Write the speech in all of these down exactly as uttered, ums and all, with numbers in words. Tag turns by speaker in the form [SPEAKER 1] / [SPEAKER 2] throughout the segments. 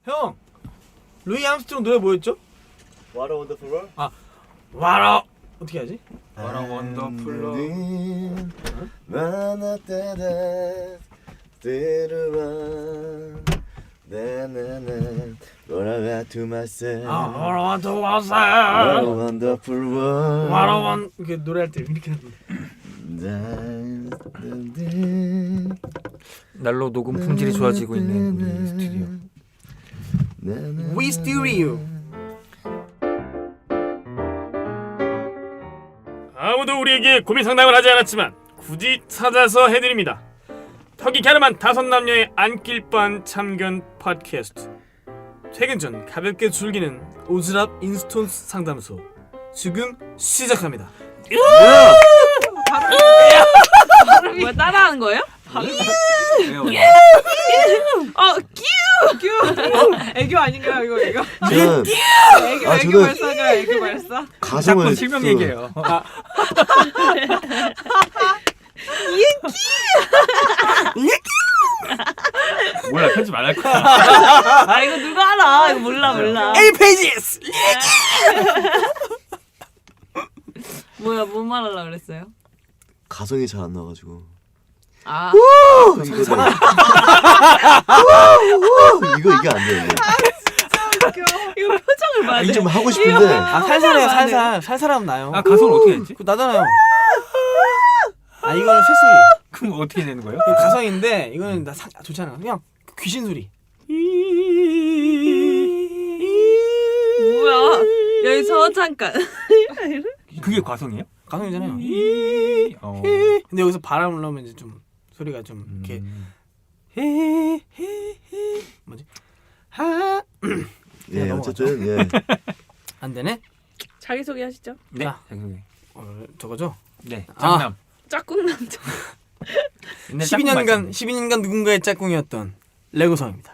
[SPEAKER 1] 형, 루이 암스트롱 노래 뭐였죠?
[SPEAKER 2] What a Wonderful World?
[SPEAKER 1] 아, 와라 어떻게 하지?
[SPEAKER 3] What a wonderful world.
[SPEAKER 2] 돌아가 to myself.
[SPEAKER 1] 아, 와라 더
[SPEAKER 2] What a
[SPEAKER 1] 와서.
[SPEAKER 2] wonderful world.
[SPEAKER 1] 와라 원 이렇게 노래할 때 이렇게 하는데.
[SPEAKER 3] 날로 녹음 품질이 좋아지고 있는 우리 스튜디오.
[SPEAKER 1] We Stereo. 아무도 우리에게 고민 상담을 하지 않았지만 굳이 찾아서 해드립니다. 턱이 갸름한 다섯 남녀의 안길반 참견 팟캐스트. 퇴근 전 가볍게 즐기는 오즈랍 인스턴트 상담소 지금 시작합니다.
[SPEAKER 4] 뭐야 따라하는 거예요? 어, 끼우! 끼우! 애교 아닌가요 이거 이거?
[SPEAKER 2] 저는
[SPEAKER 4] 애교
[SPEAKER 2] 아,
[SPEAKER 4] 애교
[SPEAKER 2] 저는-
[SPEAKER 4] 발사가 애교 발사?
[SPEAKER 2] 가성을
[SPEAKER 3] 자꾸 실명
[SPEAKER 2] 또-
[SPEAKER 3] 얘기해요. 몰라 편집 안 할 거야.
[SPEAKER 4] 아 이거 누가 알아? 이거 몰라 몰라.
[SPEAKER 1] A pages.
[SPEAKER 4] 뭐야 뭔 말하려고 그랬어요?
[SPEAKER 2] 가성이 잘 안 나가지고.
[SPEAKER 4] 아
[SPEAKER 2] 이거 이거 이거 이게 안 돼.
[SPEAKER 4] 이거 표정을 봐야 돼.
[SPEAKER 2] 이게 좀 하고 싶은데
[SPEAKER 1] 아 살살해요 살살 살살하면 나요.
[SPEAKER 3] 아 가성을 어떻게 했지?
[SPEAKER 1] 그 나잖아요. 아 이거는 쇳소리.
[SPEAKER 3] 그럼 어떻게 되는 거예요?
[SPEAKER 1] 그 가성인데 이거는 나 사, 좋잖아. 그냥 귀신 소리.
[SPEAKER 4] 뭐야? 여기서 잠깐.
[SPEAKER 3] 그게 가성이에요?
[SPEAKER 1] 가성이잖아요.
[SPEAKER 3] 어.
[SPEAKER 1] 근데 여기서 바람을 넣으면 이제 좀 소리가 좀 이렇게
[SPEAKER 3] 음.
[SPEAKER 1] 헤헤헤 뭐지? 하.
[SPEAKER 2] 예 어쨌든 예
[SPEAKER 1] 안 되네.
[SPEAKER 4] 자기 소개 하시죠.
[SPEAKER 3] 네.
[SPEAKER 1] 자.
[SPEAKER 3] 자기소개.
[SPEAKER 1] 어, 저거죠?
[SPEAKER 3] 네.
[SPEAKER 1] 아.
[SPEAKER 3] 장남.
[SPEAKER 4] 짝꿍 남자.
[SPEAKER 3] 옛날
[SPEAKER 1] 십이
[SPEAKER 3] 짝꿍
[SPEAKER 1] 년간
[SPEAKER 3] 말씀.
[SPEAKER 1] 십이 년간 누군가의 짝꿍이었던 레고성입니다.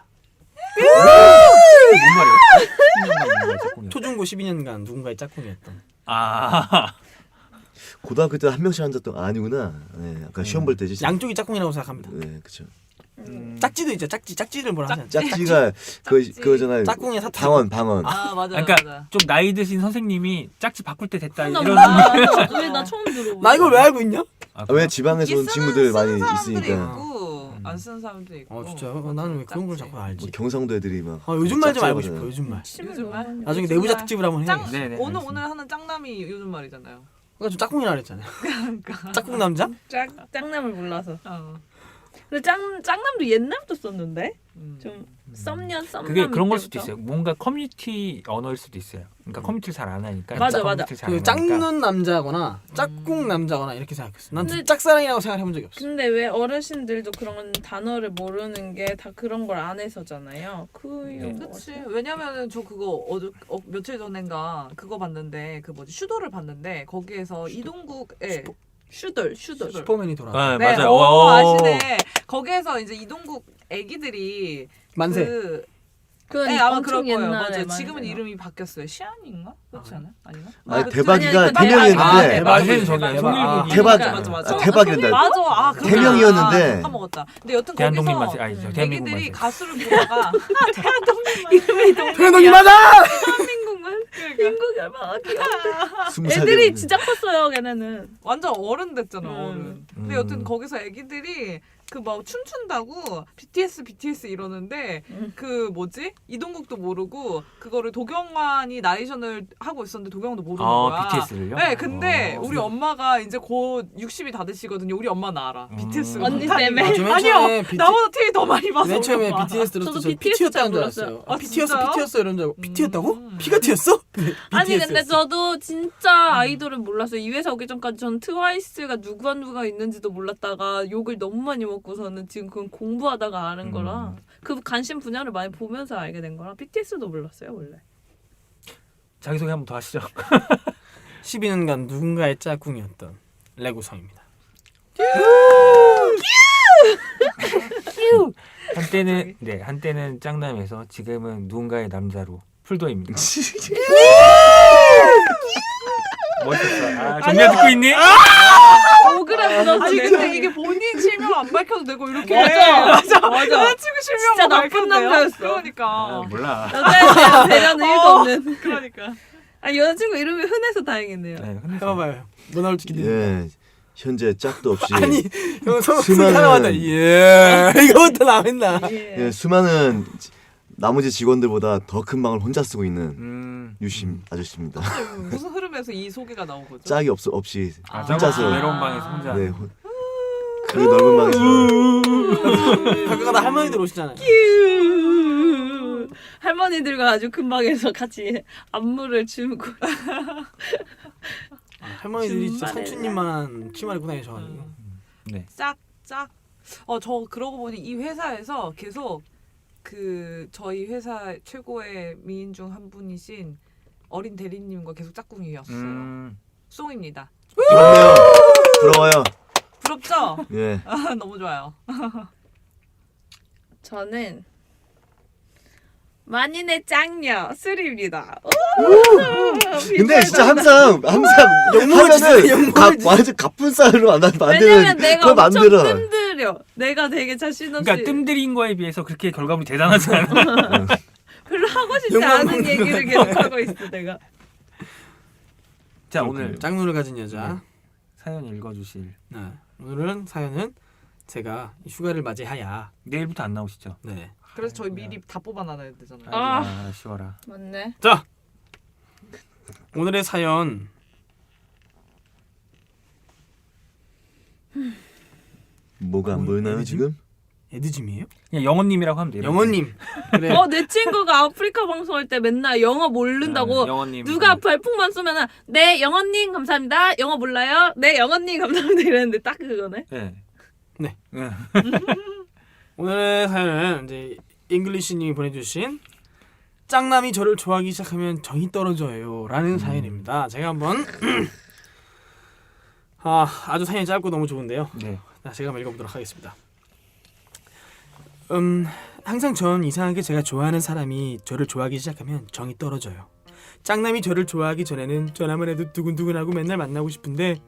[SPEAKER 3] 뭔 말이에요? 십이 년간 짝꿍이요.
[SPEAKER 1] 초중고 십이 년간 누군가의 짝꿍이었던.
[SPEAKER 3] 아.
[SPEAKER 2] 고등학교 때 한 명씩 앉았던 거 아니구나. 네, 약간 시험 볼 때지.
[SPEAKER 1] 양쪽이 짝꿍이라고 생각합니다.
[SPEAKER 2] 네 그렇죠.
[SPEAKER 3] 음.
[SPEAKER 1] 짝지도 있죠. 짝지. 짝지를 뭐라 하지 않죠?
[SPEAKER 2] 짝지가 그
[SPEAKER 4] 짝지.
[SPEAKER 2] 그거잖아요.
[SPEAKER 1] 짝꿍의 사투리.
[SPEAKER 2] 방언 방언.
[SPEAKER 4] 아 맞아
[SPEAKER 3] 그러니까
[SPEAKER 4] 맞아.
[SPEAKER 3] 좀 나이 드신 선생님이 짝지 바꿀 때 됐다
[SPEAKER 4] 나
[SPEAKER 3] 이런.
[SPEAKER 4] 몰라. 왜나 처음 들어?
[SPEAKER 1] 나 이걸 왜 알고 있냐?
[SPEAKER 3] 아,
[SPEAKER 2] 아, 왜 지방에서 온
[SPEAKER 5] 쓰는-
[SPEAKER 2] 친구들 많이
[SPEAKER 5] 쓰는 사람들이
[SPEAKER 2] 있으니까.
[SPEAKER 5] 있고
[SPEAKER 3] 음.
[SPEAKER 5] 안 쓰는 사람도 있고.
[SPEAKER 1] 어 진짜 어, 나는 왜 그런 걸 자꾸 알지?
[SPEAKER 2] 뭐 경상도 애들이 막.
[SPEAKER 1] 아 요즘 말 좀 알고
[SPEAKER 2] 짝지
[SPEAKER 1] 싶어.
[SPEAKER 2] 하거든.
[SPEAKER 1] 요즘 말.
[SPEAKER 5] 요즘 말?
[SPEAKER 1] 나중에
[SPEAKER 5] 요즘
[SPEAKER 1] 내부자
[SPEAKER 5] 말.
[SPEAKER 1] 특집을 한번
[SPEAKER 5] 짱
[SPEAKER 1] 해야겠어.
[SPEAKER 3] 네네,
[SPEAKER 5] 오늘
[SPEAKER 3] 알겠습니다.
[SPEAKER 5] 오늘 하는 짱남이 요즘 말이잖아요.
[SPEAKER 1] 그러니까 좀 짝꿍이라 그랬잖아요.
[SPEAKER 5] 그러니까.
[SPEAKER 1] 짝꿍 남자?
[SPEAKER 4] 짝 짝남을 몰라서.
[SPEAKER 5] 어.
[SPEAKER 4] 근데 짝 짝남도 옛날부터 썼는데
[SPEAKER 5] 음.
[SPEAKER 4] 좀 썸년 썸남.
[SPEAKER 3] 그게 그런 걸 수도
[SPEAKER 4] 때부터?
[SPEAKER 3] 있어요. 뭔가 커뮤니티 언어일 수도 있어요. 그러니까 커뮤니티를 잘 안 하니까.
[SPEAKER 4] 맞아, 맞아.
[SPEAKER 3] 커뮤니티를 잘
[SPEAKER 1] 그
[SPEAKER 3] 안 하니까.
[SPEAKER 1] 짝눈 남자거나 짝꿍 남자거나 이렇게 생각했어. 난
[SPEAKER 4] 근데-
[SPEAKER 1] 짝사랑이라고 생각해본 적이 없어.
[SPEAKER 4] 근데 왜 어르신들도 그런 단어를 모르는 게 다 그런 걸 안 해서잖아요. 그
[SPEAKER 3] 네.
[SPEAKER 4] 이유
[SPEAKER 5] 그치. 왜냐면은 저 그거 어저 어, 며칠 전인가 그거 봤는데 그 뭐지 슈도를 봤는데 거기에서 이동국의
[SPEAKER 4] 슈돌 슈돌.
[SPEAKER 1] 슈퍼맨이 돌아.
[SPEAKER 3] 아,
[SPEAKER 5] 네,
[SPEAKER 3] 맞아요.
[SPEAKER 5] 오,
[SPEAKER 3] 오.
[SPEAKER 5] 아시네. 거기에서 이제 이동국 애기들이
[SPEAKER 1] 만세.
[SPEAKER 5] 그
[SPEAKER 4] 그건
[SPEAKER 5] 네, 아마
[SPEAKER 4] 엄청
[SPEAKER 5] 그럴 거예요.
[SPEAKER 4] 옛날에
[SPEAKER 5] 맞아요.
[SPEAKER 4] 많이
[SPEAKER 5] 지금은
[SPEAKER 4] 나와.
[SPEAKER 5] 이름이 바뀌었어요. 시안인가? 그렇지 않아? 아닌가?
[SPEAKER 2] 아니
[SPEAKER 5] 그
[SPEAKER 2] 대박이가
[SPEAKER 4] 아니, 아니,
[SPEAKER 2] 태명이었는데
[SPEAKER 1] 아,
[SPEAKER 3] 네,
[SPEAKER 1] 대박.
[SPEAKER 3] 만세는 저기
[SPEAKER 1] 대박.
[SPEAKER 3] 송일국이.
[SPEAKER 2] 대박.
[SPEAKER 5] 맞아, 맞아.
[SPEAKER 2] 아, 대박이란다.
[SPEAKER 5] 맞아. 아, 그렇구나.
[SPEAKER 2] 태명이었는데.
[SPEAKER 5] 아, 까먹었다. 근데 여튼
[SPEAKER 3] 대한독립
[SPEAKER 5] 거기서
[SPEAKER 3] 만세 아니죠. 대한민국
[SPEAKER 5] 애기들이
[SPEAKER 3] 만세.
[SPEAKER 5] 가수를 부르다가
[SPEAKER 4] 이름이 너무
[SPEAKER 1] 태연동이 맞아!
[SPEAKER 4] 민국만 민국이 얼마나 귀여워.
[SPEAKER 2] 스무 살
[SPEAKER 4] 애들이
[SPEAKER 2] 됐는데.
[SPEAKER 4] 진짜 컸어요. 걔네는.
[SPEAKER 5] 완전 어른 됐잖아,
[SPEAKER 4] 음.
[SPEAKER 5] 어른. 근데
[SPEAKER 3] 음.
[SPEAKER 5] 여튼 거기서 애기들이 그 막 춤춘다고 비티에스 비티에스 이러는데
[SPEAKER 4] 음.
[SPEAKER 5] 그 뭐지? 이동국도 모르고 그거를 도경환이 나레이션을 하고 있었는데 도경환도 모르는
[SPEAKER 3] 아,
[SPEAKER 5] 거야.
[SPEAKER 3] 비티에스를요?
[SPEAKER 5] 네, 근데
[SPEAKER 3] 어.
[SPEAKER 5] 우리 엄마가 이제 곧 육십이 다 되시거든요. 우리 엄마는 알아.
[SPEAKER 3] 음.
[SPEAKER 5] 비티에스가
[SPEAKER 4] 언니
[SPEAKER 5] 뭔지.
[SPEAKER 4] 때문에?
[SPEAKER 1] 아, 저맨
[SPEAKER 5] 아니요.
[SPEAKER 1] 처음에 비티-
[SPEAKER 5] 나보다 티비 더 많이 봐서.
[SPEAKER 1] 맨 처음에
[SPEAKER 5] 우리 엄마.
[SPEAKER 1] 비티에스 들었을
[SPEAKER 4] 저도
[SPEAKER 1] 때
[SPEAKER 4] 비티에스
[SPEAKER 1] 피티였다는 줄
[SPEAKER 4] 잘
[SPEAKER 1] 알았어요.
[SPEAKER 4] 몰랐어요.
[SPEAKER 1] 아,
[SPEAKER 5] 아,
[SPEAKER 1] 피티였어,
[SPEAKER 5] 진짜요?
[SPEAKER 1] 피티였어 이런 줄 알고 피티였다고?
[SPEAKER 5] 음.
[SPEAKER 1] 피가 튀었어?
[SPEAKER 4] 아니 근데
[SPEAKER 1] 비티에스였어.
[SPEAKER 4] 저도 진짜 아이돌을 몰랐어요. 이 회사 오기 전까지 전 트와이스가 누가 누가 있는지도 몰랐다가 욕을 너무 많이 먹고서는 지금 그건 공부하다가 아는 거라
[SPEAKER 3] 음.
[SPEAKER 4] 그 관심 분야를 많이 보면서 알게 된 거라 비티에스도 몰랐어요 원래.
[SPEAKER 3] 자기소개 한 번 더 하시죠.
[SPEAKER 1] 십이 년간 누군가의 짝꿍이었던 레고성입니다.
[SPEAKER 3] 한때는 네 한때는 짱남에서 지금은 누군가의 남자로 풀도입니다. 멋있었어. 아, 정리야 듣고 있니?
[SPEAKER 4] 억울해 무너지네.
[SPEAKER 5] 아니 근데 이게 본인 실명 안 밝혀도 되고 이렇게
[SPEAKER 4] 맞아.
[SPEAKER 5] 맞아
[SPEAKER 4] 맞아.
[SPEAKER 5] 여자친구 실명
[SPEAKER 4] 진짜 나쁜 남자였어.
[SPEAKER 5] 그러니까
[SPEAKER 3] 아, 몰라.
[SPEAKER 4] 여자에 대한 배려는 일도
[SPEAKER 5] 어.
[SPEAKER 4] 없는.
[SPEAKER 5] 그러니까
[SPEAKER 4] 아 여자친구 이름이 흔해서 다행이네요.
[SPEAKER 3] 네, 흔해서.
[SPEAKER 1] 해봐봐요. 뭐 나올지 기대.
[SPEAKER 2] 예, 현재 짝도 없이
[SPEAKER 1] 아니 형 성
[SPEAKER 2] 수많은-
[SPEAKER 1] 하나마다 예 이거부터 나왔나?
[SPEAKER 4] 예.
[SPEAKER 2] 예, 수많은 지- 나머지 직원들보다 더 큰 방을 혼자 쓰고 있는
[SPEAKER 3] 음.
[SPEAKER 2] 유심 아저씨입니다.
[SPEAKER 5] 무슨 흐름에서 이 소개가 나온 거죠?
[SPEAKER 2] 짝이 없 없이
[SPEAKER 3] 아,
[SPEAKER 2] 혼자서
[SPEAKER 3] 외로운 방에서 혼자.
[SPEAKER 2] 네, 혼- 그 넓은 방에서
[SPEAKER 1] 가끔가다 할머니들 오시잖아요.
[SPEAKER 4] 휴. 할머니들과 아주 큰 방에서 같이 안무를 추고.
[SPEAKER 1] 아, 할머니들이 진짜
[SPEAKER 4] 정말
[SPEAKER 1] 삼촌님만 치마를 입고 다니셔가지고.
[SPEAKER 3] 네.
[SPEAKER 5] 짝짝. 어 저 그러고 보니 이 회사에서 계속 그 저희 회사 최고의 미인 중 한 분이신 어린 대리님과 계속 짝꿍이었어요.
[SPEAKER 3] 음.
[SPEAKER 5] 송입니다.
[SPEAKER 2] 부럽네요. 부러워요.
[SPEAKER 5] 부럽죠?
[SPEAKER 2] 예.
[SPEAKER 5] 아, 너무 좋아요.
[SPEAKER 4] 저는 만인의 짱녀 수리입니다.
[SPEAKER 2] 근데 진짜 항상 항상 하면은 가, 완전 가뿐살로 안
[SPEAKER 4] 왜냐면
[SPEAKER 2] 만드는
[SPEAKER 4] 내가
[SPEAKER 2] 그걸
[SPEAKER 4] 엄청
[SPEAKER 2] 만들어.
[SPEAKER 4] 뜸들여. 내가 되게 자신 없이
[SPEAKER 3] 그러니까 뜸들인 거에 비해서 그렇게 결과물이 대단하지 않아.
[SPEAKER 4] 별로 하고 싶지
[SPEAKER 1] 욕만
[SPEAKER 4] 않은
[SPEAKER 1] 먹는
[SPEAKER 4] 얘기를 계속 하고 있어 내가.
[SPEAKER 3] 자, 오늘
[SPEAKER 1] 짝눈을 가진 여자.
[SPEAKER 3] 사연 읽어주실.
[SPEAKER 1] 네. 오늘은 사연은 제가 휴가를 맞이하야.
[SPEAKER 3] 내일부터 안 나오시죠?
[SPEAKER 1] 네.
[SPEAKER 5] 그래서 저희 미리 다 뽑아놔야 되잖아요.
[SPEAKER 4] 아.
[SPEAKER 3] 아, 쉬워라.
[SPEAKER 4] 맞네.
[SPEAKER 1] 자 오늘의 사연.
[SPEAKER 2] 뭐가 안
[SPEAKER 1] 어,
[SPEAKER 2] 보이나요
[SPEAKER 1] 애니즘?
[SPEAKER 2] 지금?
[SPEAKER 1] 에드짐이에요?
[SPEAKER 3] 그냥 영원님이라고 하면 돼요.
[SPEAKER 1] 영원님. 그래.
[SPEAKER 4] 어 내 친구가 아프리카 방송할 때 맨날 영어 모른다고
[SPEAKER 3] 네, 영원님.
[SPEAKER 4] 누가 발풍만 쏘면은 네 영원님 감사합니다. 영어 몰라요? 네 영원님 감사합니다 이랬는데 딱 그거네.
[SPEAKER 3] 네.
[SPEAKER 1] 네.
[SPEAKER 3] 네.
[SPEAKER 1] 오늘의 사연은 이제 잉글리시님이 보내주신 짱남이 저를 좋아하기 시작하면 정이 떨어져요라는
[SPEAKER 3] 음.
[SPEAKER 1] 사연입니다. 제가 한번 아 아주 사연이 짧고 너무 좋은데요.
[SPEAKER 3] 네.
[SPEAKER 1] 자, 제가 한번 읽어보도록 하겠습니다. 음 항상 전 이상하게 제가 좋아하는 사람이 저를 좋아하기 시작하면 정이 떨어져요. 짱남이 저를 좋아하기 전에는 전화만 해도 두근두근하고 맨날 만나고 싶은데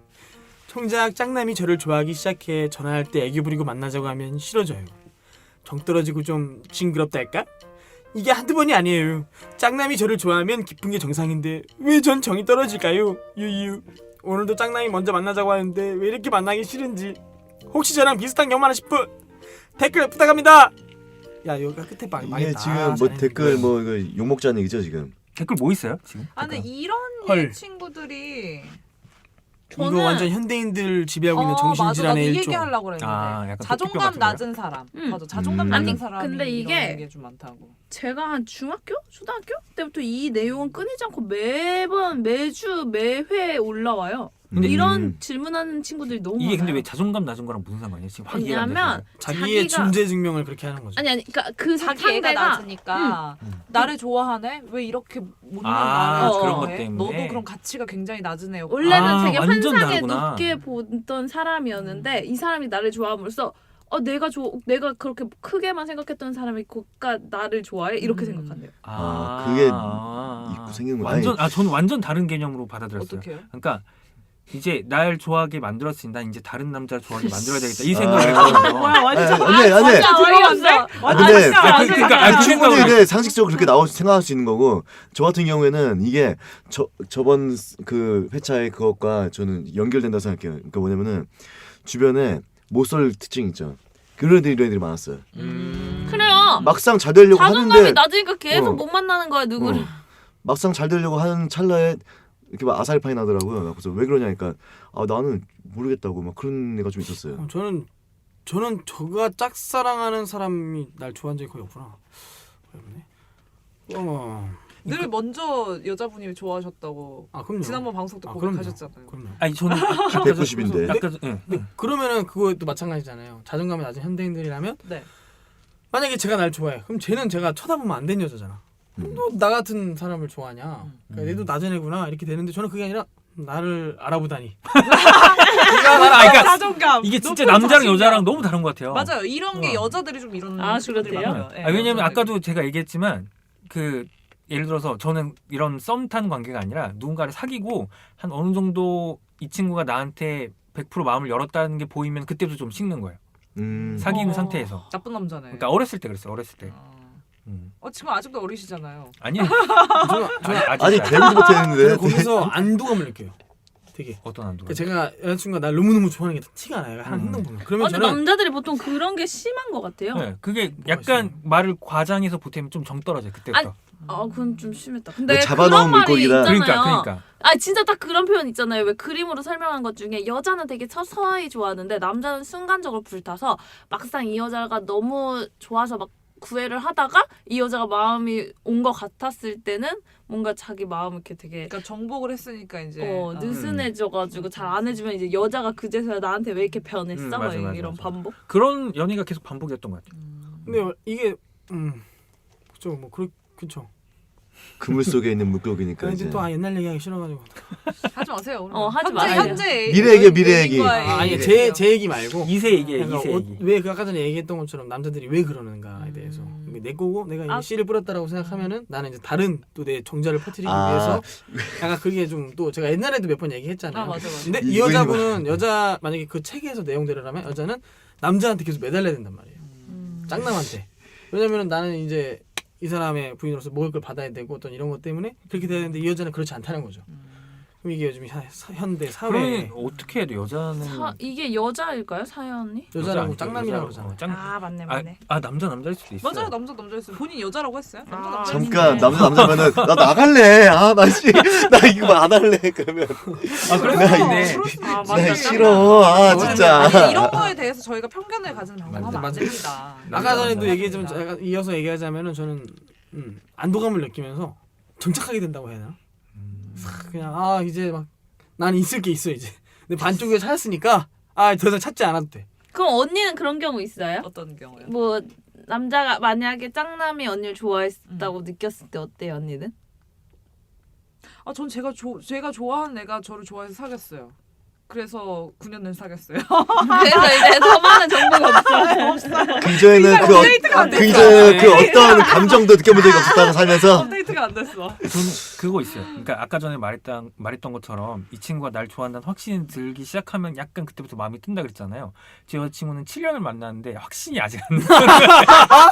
[SPEAKER 1] 정작 짱남이 저를 좋아하기 시작해 전화할 때 애교 부리고 만나자고 하면 싫어져요. 정 떨어지고 좀 징그럽달까? 이게 한두 번이 아니에요. 짱남이 저를 좋아하면 기쁜 게 정상인데 왜 전 정이 떨어질까요? 유유. 오늘도 짱남이 먼저 만나자고 하는데 왜 이렇게 만나기 싫은지 혹시 저랑 비슷한 경험 하실 분 댓글 부탁합니다. 야 여기가 끝에 막
[SPEAKER 2] 이게
[SPEAKER 1] 망했다.
[SPEAKER 2] 지금 뭐
[SPEAKER 1] 잘했네.
[SPEAKER 2] 댓글 뭐 욕 먹자는 얘기죠 지금.
[SPEAKER 3] 댓글 뭐 있어요 지금?
[SPEAKER 5] 아 근데 이런
[SPEAKER 1] 헐.
[SPEAKER 5] 친구들이
[SPEAKER 1] 이거
[SPEAKER 4] 저는-
[SPEAKER 1] 완전 현대인들 지배하고 있는
[SPEAKER 5] 어, 맞아. 나도
[SPEAKER 1] 정신질환의
[SPEAKER 5] 이
[SPEAKER 1] 일종.
[SPEAKER 5] 얘기 하려고 그랬는데
[SPEAKER 3] 아, 약간 토끼뼈
[SPEAKER 5] 자존감
[SPEAKER 3] 같은 거요?
[SPEAKER 5] 낮은 사람
[SPEAKER 4] 음.
[SPEAKER 5] 맞아 자존감
[SPEAKER 2] 음.
[SPEAKER 5] 낮은
[SPEAKER 2] 아니,
[SPEAKER 5] 사람이
[SPEAKER 4] 근데 이게-
[SPEAKER 5] 이런 게 좀 많다고.
[SPEAKER 4] 제가 한 중학교, 초등학교 때부터 이 내용은 끊이지 않고 매번 매주 매회 올라와요.
[SPEAKER 3] 근데
[SPEAKER 4] 이런
[SPEAKER 2] 음.
[SPEAKER 4] 질문하는 친구들이 너무
[SPEAKER 3] 이게
[SPEAKER 4] 많아요.
[SPEAKER 3] 근데 왜 자존감 낮은 거랑 무슨 상관이에요? 지금 확 이해가 안
[SPEAKER 4] 왜냐면
[SPEAKER 3] 돼서.
[SPEAKER 1] 자기의
[SPEAKER 4] 자기가-
[SPEAKER 1] 존재 증명을 그렇게 하는 거죠.
[SPEAKER 4] 아니 아니 그러니까 그
[SPEAKER 5] 자기 애가
[SPEAKER 4] 상대가
[SPEAKER 5] 낮으니까 나를 좋아하네? 왜 이렇게 못난
[SPEAKER 3] 아,
[SPEAKER 5] 나를
[SPEAKER 4] 그런
[SPEAKER 3] 것
[SPEAKER 5] 좋아해?
[SPEAKER 3] 때문에.
[SPEAKER 5] 너도 그럼 가치가 굉장히 낮은 애였고
[SPEAKER 4] 원래는
[SPEAKER 3] 아,
[SPEAKER 4] 되게
[SPEAKER 3] 완전
[SPEAKER 4] 환상에
[SPEAKER 3] 다르구나.
[SPEAKER 4] 높게 보던 사람이었는데 이 사람이 나를 좋아함으로써 어 내가 조 내가 그렇게 크게만 생각했던 사람이 그가 나를 좋아해 이렇게
[SPEAKER 5] 음.
[SPEAKER 4] 생각한대요.
[SPEAKER 2] 아, 그게
[SPEAKER 3] 아,
[SPEAKER 2] 있고 생기는 거야.
[SPEAKER 3] 완전 아 저는 완전 다른 개념으로 받아들였어요.
[SPEAKER 5] 어떻게요?
[SPEAKER 3] 그러니까 이제 날 좋아하게 만들었으니 난 이제 다른 남자를 좋아하게 만들어야 되겠다 이
[SPEAKER 2] 아.
[SPEAKER 3] 생각을 했거든요.
[SPEAKER 5] 뭐야 완전
[SPEAKER 2] 아니, 아니, 아니.
[SPEAKER 4] 진짜 어이없네.
[SPEAKER 2] 아, 근데
[SPEAKER 5] 진짜
[SPEAKER 3] 아,
[SPEAKER 5] 완전
[SPEAKER 3] 그러니까
[SPEAKER 5] 다르다.
[SPEAKER 3] 아,
[SPEAKER 2] 충분히
[SPEAKER 3] 생각을-
[SPEAKER 2] 근데 상식적으로 그렇게 나올 생각할 수 있는 거고 저 같은 경우에는 이게 저 저번 그 회차의 그것과 저는 연결된다고 생각해요. 그러니까 뭐냐면은 주변에 못쏠 특징 있죠. 그런 애들이 이런 애들이 많았어요.
[SPEAKER 3] 음.
[SPEAKER 4] 그래요.
[SPEAKER 2] 막상 잘 되려고
[SPEAKER 4] 자존감이
[SPEAKER 2] 하는데
[SPEAKER 4] 낮으니까 계속
[SPEAKER 2] 어.
[SPEAKER 4] 못 만나는 거야 누구를.
[SPEAKER 2] 어. 막상 잘 되려고 하는 찰나에 이렇게 막 아사리파이 나더라고요. 그래서 왜 그러냐니까 아 나는 모르겠다고 막 그런 애가 좀 있었어요.
[SPEAKER 1] 어, 저는 저는 저가 짝사랑하는 사람이 날 좋아한 적이 거의 없구나. 어렵네. 어.
[SPEAKER 5] 늘 먼저 여자분이 좋아하셨다고
[SPEAKER 1] 아 그럼요.
[SPEAKER 5] 지난번 방송 때
[SPEAKER 1] 아, 그럼요.
[SPEAKER 5] 고백하셨잖아요.
[SPEAKER 1] 그럼요.
[SPEAKER 3] 아니 저는
[SPEAKER 2] 백구십인데.
[SPEAKER 3] 약간 예. 예.
[SPEAKER 1] 그러면은 그것도 마찬가지잖아요. 자존감이 낮은 현대인들이라면
[SPEAKER 5] 네.
[SPEAKER 1] 만약에 제가 날 좋아해. 그럼 쟤는 제가 쳐다보면 안 되는 여자잖아.
[SPEAKER 2] 음.
[SPEAKER 1] 너 나 같은 사람을 좋아하냐?
[SPEAKER 5] 음.
[SPEAKER 1] 그러니까 얘도 낮은 애구나 이렇게 되는데 저는 그게 아니라 나를 알아보다니.
[SPEAKER 3] 아, 그러니까
[SPEAKER 5] 자존감.
[SPEAKER 3] 이게 진짜
[SPEAKER 5] 높은
[SPEAKER 3] 남자랑
[SPEAKER 5] 자신감.
[SPEAKER 3] 여자랑 너무 다른 것 같아요.
[SPEAKER 5] 맞아요. 이런 게
[SPEAKER 3] 어.
[SPEAKER 5] 여자들이 좀 이런
[SPEAKER 4] 아,
[SPEAKER 5] 친구들이
[SPEAKER 4] 그렇대요?
[SPEAKER 5] 많아요. 예,
[SPEAKER 3] 아, 왜냐면
[SPEAKER 5] 여자들이.
[SPEAKER 3] 아까도 제가 얘기했지만 그 예를 들어서 저는 이런 썸 타는 관계가 아니라 누군가를 사귀고 한 어느 정도 이 친구가 나한테 백 퍼센트 마음을 열었다는 게 보이면 그때부터 좀 식는 거예요.
[SPEAKER 2] 음.
[SPEAKER 3] 사귄
[SPEAKER 5] 어.
[SPEAKER 3] 상태에서.
[SPEAKER 5] 나쁜 남자네.
[SPEAKER 3] 그러니까 어렸을 때 그랬어요. 어렸을 때.
[SPEAKER 5] 어.
[SPEAKER 3] 음.
[SPEAKER 5] 어 지금 아직도 어리시잖아요.
[SPEAKER 3] 아니요.
[SPEAKER 1] 저는 저는
[SPEAKER 3] 아직
[SPEAKER 2] 아니
[SPEAKER 3] 아직
[SPEAKER 2] 데뷔도 못했는데.
[SPEAKER 1] 제가 거기서 안도감을 느껴요. 되게.
[SPEAKER 3] 어떤 안도?
[SPEAKER 1] 그러니까 제가 여자친구가 날 너무 너무 좋아하는 게 티가 나요. 하는
[SPEAKER 3] 음.
[SPEAKER 1] 행동 보면. 그러면
[SPEAKER 4] 아니
[SPEAKER 1] 저는
[SPEAKER 4] 남자들이 보통 그런 게 심한 것 같아요.
[SPEAKER 3] 네, 그게
[SPEAKER 1] 뭐가
[SPEAKER 3] 약간
[SPEAKER 1] 있어요?
[SPEAKER 3] 말을 과장해서 보태면 좀 정 떨어져요. 그때부터.
[SPEAKER 4] 아 그건 좀 심했다. 근데
[SPEAKER 2] 뭐 잡아놓은
[SPEAKER 4] 그런 말이
[SPEAKER 2] 물고기다.
[SPEAKER 4] 있잖아요.
[SPEAKER 3] 그러니까 그러니까.
[SPEAKER 4] 아 진짜 딱 그런 표현 있잖아요. 왜 그림으로 설명한 것 중에 여자는 되게 서서히 좋아하는데 남자는 순간적으로 불타서 막상 이 여자가 너무 좋아서 막 구애를 하다가 이 여자가 마음이 온 것 같았을 때는 뭔가 자기 마음을 이렇게 되게
[SPEAKER 5] 그러니까 정복을 했으니까 이제
[SPEAKER 4] 어,
[SPEAKER 5] 어.
[SPEAKER 4] 느슨해져가지고 잘 안 해주면 이제 여자가 그제서야 나한테 왜 이렇게 변했어?
[SPEAKER 3] 음,
[SPEAKER 4] 막
[SPEAKER 3] 맞아, 맞아,
[SPEAKER 4] 이런
[SPEAKER 3] 맞아.
[SPEAKER 4] 반복.
[SPEAKER 3] 그런 연애가 계속 반복이었던 것 같아요.
[SPEAKER 5] 음.
[SPEAKER 1] 근데 이게 음 그죠 뭐 그, 그쵸.
[SPEAKER 2] 그물 속에 있는 물고기니까
[SPEAKER 1] 그러니까
[SPEAKER 2] 이제.
[SPEAKER 1] 이제 또 아, 옛날 얘기하기 싫어가지고.
[SPEAKER 5] 하지 마세요. 오늘.
[SPEAKER 4] 어, 하지
[SPEAKER 5] 현재,
[SPEAKER 4] 마세요.
[SPEAKER 5] 현재
[SPEAKER 2] 미래 얘기야, 미래 얘기.
[SPEAKER 5] 연인과의
[SPEAKER 1] 아, 아니
[SPEAKER 5] 얘기예요.
[SPEAKER 1] 제 제 얘기 말고.
[SPEAKER 3] 이세 얘기예요.
[SPEAKER 1] 그러니까
[SPEAKER 3] 이세
[SPEAKER 1] 어,
[SPEAKER 3] 얘기.
[SPEAKER 1] 왜 그 아까 전에 얘기했던 것처럼 남자들이 왜 그러는가에 대해서
[SPEAKER 5] 음.
[SPEAKER 1] 이게 내 거고 내가 이제
[SPEAKER 4] 아.
[SPEAKER 1] 씨를 뿌렸다라고 생각하면은 나는 이제 다른 또 내 정자를 퍼뜨리기
[SPEAKER 2] 아.
[SPEAKER 1] 위해서 약간 그게 좀 또 제가 옛날에도 몇 번 얘기했잖아요.
[SPEAKER 5] 아, 맞아, 맞아.
[SPEAKER 1] 근데 이
[SPEAKER 2] 이거
[SPEAKER 1] 여자분은 여자 만약에 그 책에서 내용대로라면 여자는 남자한테 계속 매달려야 된단 말이에요.
[SPEAKER 4] 음.
[SPEAKER 1] 짱남한테. 왜냐면은 나는 이제 이 사람의 부인으로서 먹을 걸 받아야 되고 어떤 이런 것 때문에 그렇게 돼야 되는데 이 여자는 그렇지 않다는 거죠. 그럼 이게 요즘 사, 사, 현대 사회
[SPEAKER 3] 그러면 어떻게 해야 돼? 여자는
[SPEAKER 4] 사, 이게 여자일까요 사연이?
[SPEAKER 1] 여자라고
[SPEAKER 3] 아니죠.
[SPEAKER 1] 짱남이라고
[SPEAKER 3] 여자-
[SPEAKER 1] 그러잖아요.
[SPEAKER 3] 어, 짱...
[SPEAKER 4] 아 맞네
[SPEAKER 3] 아,
[SPEAKER 4] 맞네.
[SPEAKER 3] 아 남자 남자일 수도 있어요.
[SPEAKER 5] 맞아요. 남자 남자였어요. 본인 여자라고 했어요. 남자
[SPEAKER 4] 아,
[SPEAKER 5] 남자.
[SPEAKER 2] 잠깐
[SPEAKER 4] 네.
[SPEAKER 2] 남자 남자면은 나 나갈래. 아나씨나 이거 안 할래. 그러면
[SPEAKER 3] 아 그럴
[SPEAKER 2] 나
[SPEAKER 3] 수도
[SPEAKER 2] 이거-
[SPEAKER 3] 있네.
[SPEAKER 5] 그럴 수도
[SPEAKER 4] 아,
[SPEAKER 5] 있지.
[SPEAKER 4] 맞아.
[SPEAKER 2] 나 싫어. 아
[SPEAKER 1] 맞아.
[SPEAKER 2] 진짜.
[SPEAKER 5] 아니, 이런 거에 대해서 저희가 편견을 가지는 방송하면
[SPEAKER 3] 맞아,
[SPEAKER 5] 안
[SPEAKER 1] 맞아.
[SPEAKER 5] 됩니다.
[SPEAKER 1] 아까 전에도
[SPEAKER 3] 맞아.
[SPEAKER 1] 얘기했지만 제가 이어서 얘기하자면은 저는 음, 안도감을 느끼면서 정착하게 된다고 해야 되나?
[SPEAKER 3] 음.
[SPEAKER 1] 싹 그냥 아 이제 막 나는 있을 게 있어 이제. 근데 반쪽에 찾았으니까 아 더 이상 찾지 않아도 돼.
[SPEAKER 4] 그럼 언니는 그런 경우 있어요?
[SPEAKER 5] 어떤 경우요?
[SPEAKER 4] 뭐 남자가 만약에 짱남이 언니를 좋아했다고 느꼈을 때 어때요 언니는?
[SPEAKER 5] 아, 전 제가 조, 제가 좋아하는 애가 저를 좋아해서 사귀었어요. 그래서 구 년을 사귀었어요.
[SPEAKER 4] 그래서 이제 더 많은 정보가 없어요.
[SPEAKER 2] 그 이전에는 그, 어,
[SPEAKER 5] 업데이트가 안
[SPEAKER 2] 그
[SPEAKER 5] 됐어.
[SPEAKER 2] 이전에는 그 어떤 감정도 느껴본 적이 없었다고 살면서.
[SPEAKER 5] 업데이트가 안 됐어.
[SPEAKER 3] 저는 그거 있어요. 그러니까 아까 전에 말했던 말했던 것처럼 이 친구가 날 좋아한다는 확신이 들기 시작하면 약간 그때부터 마음이 뜬다 그랬잖아요. 제 여자친구는 칠 년을 만났는데 확신이 아직 안 났어요.
[SPEAKER 4] 아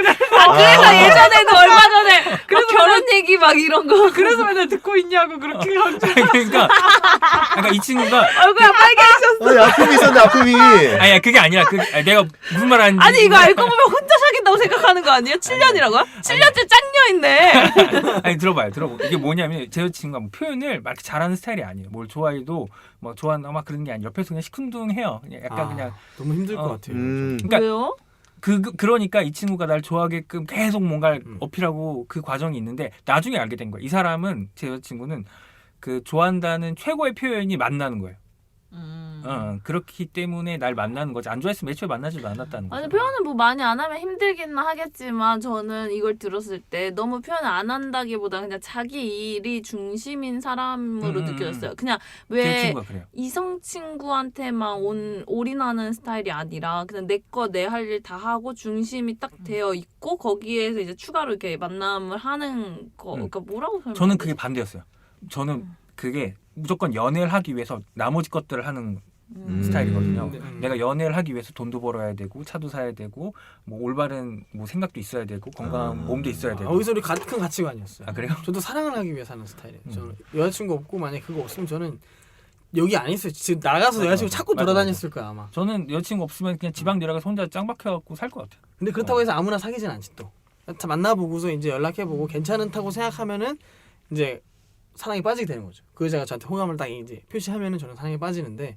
[SPEAKER 4] 그래서 예전에도 얼마 전에 그래서 결혼 얘기 막 이런 거
[SPEAKER 5] 그래서 맨날 듣고 있냐고 그렇게 강조.
[SPEAKER 3] 그러니까 그러니까 이 친구가
[SPEAKER 4] 얼굴이 빨개졌어.
[SPEAKER 2] 아니 아픔이 있었네 아픔이.
[SPEAKER 3] 아니야 그게 아니라 그 아니, 내가 무슨 말 하는지
[SPEAKER 4] 아니 이거 알고 보면 혼자 사귄다고 생각하는 거 아니에요? 칠 년이라고요? 칠 년째 짱녀 있네.
[SPEAKER 3] 아니 들어봐요 들어봐 이게 뭐냐면 제 여자친구가 뭐 표현을 막 이렇게 잘하는 스타일이 아니에요. 뭘 좋아해도 뭐 좋아한다 막 그런 게 아니라 옆에서 그냥 시큰둥해요. 그냥 약간
[SPEAKER 1] 아,
[SPEAKER 3] 그냥
[SPEAKER 1] 너무 힘들 것
[SPEAKER 3] 어.
[SPEAKER 1] 같아요.
[SPEAKER 2] 음.
[SPEAKER 3] 그러니까
[SPEAKER 4] 왜요?
[SPEAKER 3] 그, 그 그러니까 이 친구가 날 좋아하게끔 계속 뭔가를
[SPEAKER 1] 음.
[SPEAKER 3] 어필하고 그 과정이 있는데 나중에 알게 된 거예요. 이 사람은 제 여자친구는 그 좋아한다는 최고의 표현이 만나는 거예요.
[SPEAKER 5] 음.
[SPEAKER 3] 어, 그렇기 때문에 날 만나는 거지. 안 좋아했으면 애초에 만나지도 않았다는 거죠.
[SPEAKER 4] 아니 표현을 뭐 많이 안 하면 힘들기는 하겠지만 저는 이걸 들었을 때 너무 표현을 안 한다기보다 그냥 자기 일이 중심인 사람으로
[SPEAKER 3] 음,
[SPEAKER 4] 느껴졌어요. 그냥
[SPEAKER 3] 제
[SPEAKER 4] 왜
[SPEAKER 3] 친구가 그래요.
[SPEAKER 4] 이성 친구한테만 온 올인하는 스타일이 아니라 그냥 내 거 내 할 일 다 하고 중심이 딱 되어 있고 거기에서 이제 추가로 이렇게 만남을 하는 거.
[SPEAKER 3] 음.
[SPEAKER 4] 그러니까 뭐라고 설명?
[SPEAKER 3] 저는 그게 반대였어요. 저는 그게 무조건 연애를 하기 위해서 나머지 것들을 하는
[SPEAKER 2] 음.
[SPEAKER 3] 스타일이거든요.
[SPEAKER 1] 음.
[SPEAKER 3] 내가 연애를 하기 위해서 돈도 벌어야 되고 차도 사야 되고 뭐 올바른 뭐 생각도 있어야 되고 건강한
[SPEAKER 2] 아.
[SPEAKER 3] 몸도 있어야
[SPEAKER 1] 아,
[SPEAKER 3] 되고.
[SPEAKER 1] 여기서 우리 같은 가치관이었어요.
[SPEAKER 3] 아 그래요?
[SPEAKER 1] 저도 사랑을 하기 위해 사는 스타일이에요.
[SPEAKER 3] 음.
[SPEAKER 1] 저는 여자친구 없고 만약 그거 없으면 저는 여기 안 있어요. 지금 나가서
[SPEAKER 3] 맞아,
[SPEAKER 1] 여자친구
[SPEAKER 3] 맞아.
[SPEAKER 1] 찾고
[SPEAKER 3] 맞아,
[SPEAKER 1] 돌아다녔을 거야 아마.
[SPEAKER 3] 저는 여자친구 없으면 그냥 지방 내려가서 혼자 짱 박혀갖고 살 것 같아요.
[SPEAKER 1] 근데 그렇다고
[SPEAKER 3] 어.
[SPEAKER 1] 해서 아무나 사귀진 않지 또. 다 만나보고서 이제 연락해보고 괜찮다고 생각하면은 이제 사랑에 빠지게 되는 거죠. 그 여자가 저한테 호감을 딱 이제 표시하면은 저는 사랑에 빠지는데